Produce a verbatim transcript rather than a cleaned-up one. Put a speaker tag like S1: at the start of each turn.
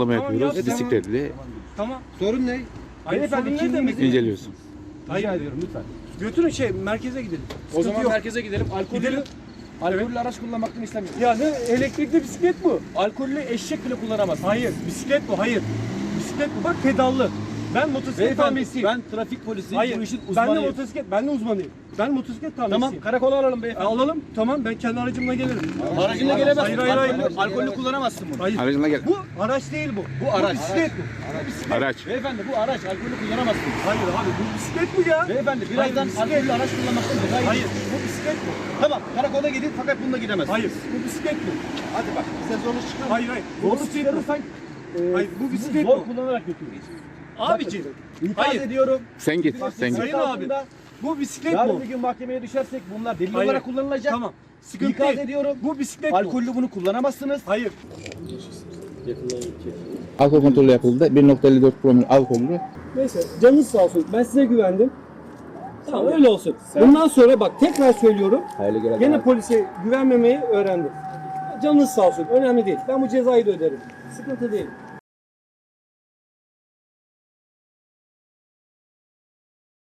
S1: sorgulama
S2: Tamam,
S1: yapıyoruz.
S2: yap.
S1: Bisikletli
S2: Tamam.
S3: Sorun ne?
S2: Hayır,
S3: Beyefendi,
S2: sorun ne
S3: kimliğimizi
S2: demek?
S1: inceliyorsun.
S2: Hayır.
S3: Rica ediyorum lütfen.
S2: Götürün şey merkeze gidelim.
S3: O
S2: Sıkıntı
S3: zaman
S2: yok.
S3: merkeze gidelim. Alkollü,
S2: Gidelim.
S3: alkollü araç kullanmaktan istemiyorum.
S2: Ya ne elektrikli bisiklet bu?
S3: Alkollü eşek bile kullanamazsın.
S2: Hayır, bisiklet bu. Hayır. Bisiklet bu. Bak pedallı. Ben motosiklet
S3: Beyefendi,
S2: tamircisiyim.
S3: ben trafik polisiyim.
S2: Hayır.
S3: Bu işin
S2: Ben de
S3: uzmanıyım.
S2: motosiklet, ben de uzmanıyım. Ben motosiklet tamircisiyim.
S3: Tamam, karakola alalım
S2: E,
S3: beyefendi.
S2: alalım. Tamam, ben kendi aracımla gelirim.
S3: Aracına gelemezsin.
S2: Hayır, hayır, hayır.
S3: Alkollü, alkollü kullanamazsın bunu.
S2: Hayır.
S1: Aracına gel.
S2: Bu araç değil bu.
S3: Bu araç.
S2: bisiklet bu. Bu bisiklet.
S1: Araç.
S3: Beyefendi bu araç alkollü kullanamazsın.
S2: Hayır abi, bu bisiklet mi ya?
S3: Beyefendi birazdan
S2: bisiklet.
S3: alkollü araç kullanmaktan ceza
S2: Hayır,
S3: yiyeceksin.
S2: bu bisiklet bu.
S3: Tamam, karakola gidin fakat bununla gidemezsin.
S2: Hayır, bu bisiklet bu.
S3: Hadi bak, bize zorlu çıkar.
S2: Hayır, hayır. Bu
S3: Zorlu
S2: bisiklet bu.
S3: çıkarırsan e,
S2: Hayır, bu
S3: sizi
S2: bisiklet
S3: zor
S2: bu.
S3: kullanarak götürürüz.
S2: Abiciğim.
S3: İkaz
S2: Hayır.
S3: ediyorum.
S1: Sen git. Sen git.
S2: Sayın abi. Bu bisiklet
S3: Yarın
S2: bu.
S3: bir gün mahkemeye düşersek bunlar delil
S2: Hayır.
S3: olarak kullanılacak.
S2: Tamam. Sıkıntı
S3: İkaz
S2: değil.
S3: ediyorum.
S2: Bu bisiklet bu.
S3: Alkollü bunu kullanamazsınız.
S2: Hayır.
S1: Alkol kontrolü yapıldı. bir nokta elli dört promil alkollü.
S4: Neyse canınız sağ olsun. Ben size güvendim. Tamam öyle olsun. Bundan sonra bak tekrar söylüyorum.
S1: Hayırlı görevler.
S4: Gene polise güvenmemeyi öğrendim. Canınız sağ olsun. Önemli değil. Ben bu cezayı da öderim. Sıkıntı değil.